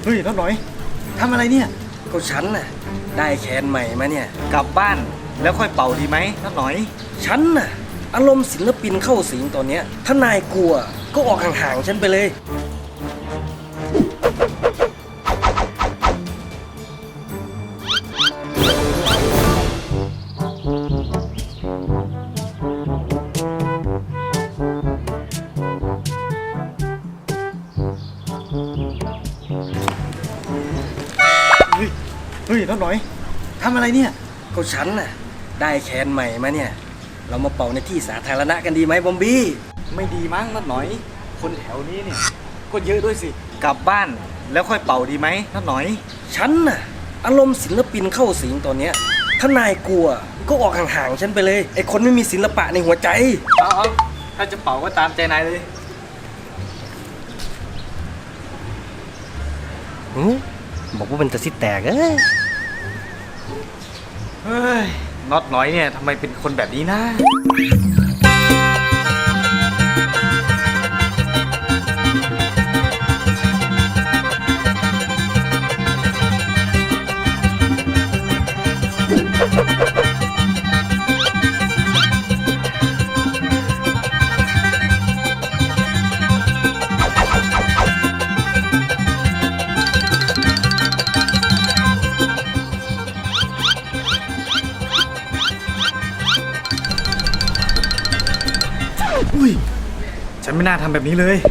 เฮ้ยน้องหน่อยทำอะไรเนี่ยก็ฉันน่ะได้แคนใหม่มาเนี่ยกลับบ้านแล้วค่อยเป่าดีไหมน้องหน่อยฉันน่ะอารมณ์ศิลปินเข้าสิงตอนเนี้ยถ้านายกลัวก็ออกห่างๆฉันไปเลยเฮ้ยน้องหน่อยทำอะไรเนี่ยก็ฉันน่ะได้แคนใหม่มาเนี่ยเรามาเป่าในที่สาธารณะกันดีไหมบอมบี้ไม่ดีมั้งน้องหน่อยคนแถวนี้เนี่ยก็เยอะด้วยสิกลับบ้านแล้วค่อยเป่าดีไหมน้องหน่อยฉันน่ะอารมณ์ศิลปินเข้าสิงตอนเนี้ยถ้านายกลัวก็ออกห่างๆฉันไปเลยไอคนไม่มีศิลปะในหัวใจเอาถ้าจะเป่าก็ตามใจนายเลยบอกว่าเป็นตะซิแตกเฮ้ยน็อตน้อยเนี่ยทำไมเป็นคนแบบนี้นะอุ้ยฉันไม่น่าทำแบบนี้เลย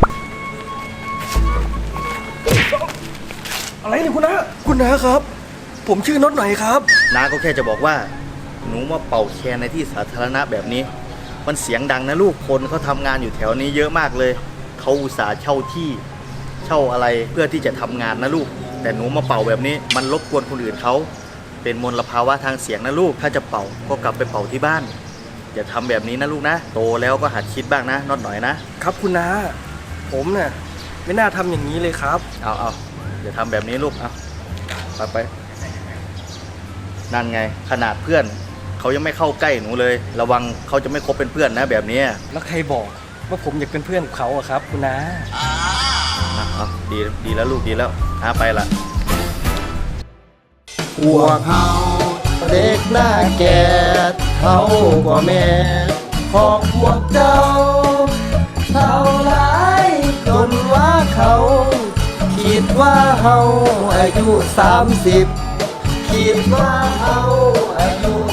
อะไรเนี่ยคุณน้าครับผมชื่อน็อตหน่อยครับน้าก็แค่จะบอกว่าหนูมาเป่าแคนในที่สาธารณะแบบนี้มันเสียงดังนะลูกคนเขาทำงานอยู่แถวนี้เยอะมากเลยเขาอุตส่าห์เช่าที่เช่าอะไรเพื่อที่จะทำงานนะลูกแต่หนูมาเป่าแบบนี้มันรบกวนคนอื่นเขาเป็นมลภาวะทางเสียงนะลูกถ้าจะเป่าก็กลับไปเป่าที่บ้านอย่าทำแบบนี้นะลูกนะโตแล้วก็หัดคิดบ้างนะน็อตหน่อยนะครับคุณน้าผมน่ะไม่น่าทำอย่างนี้เลยครับเอาอย่าทำแบบนี้ลูกไปนั่นไงขนาดเพื่อนเขายังไม่เข้าใกล้หนูเลยระวังเขาจะไม่คบเป็นเพื่อนนะแบบนี้แล้วใครบอกว่าผมอยากเป็นเพื่อนกับเขาอะครับคุณน้าดีแล้วลูกดีแล้วไปละพวกเขาเด็กหน้าแก่เขากว่าแม่ของพวกเจ้าเท่าไรจนว่าเขาคิดว่าเฮาอายุ30คิดว่าเฮาอายุ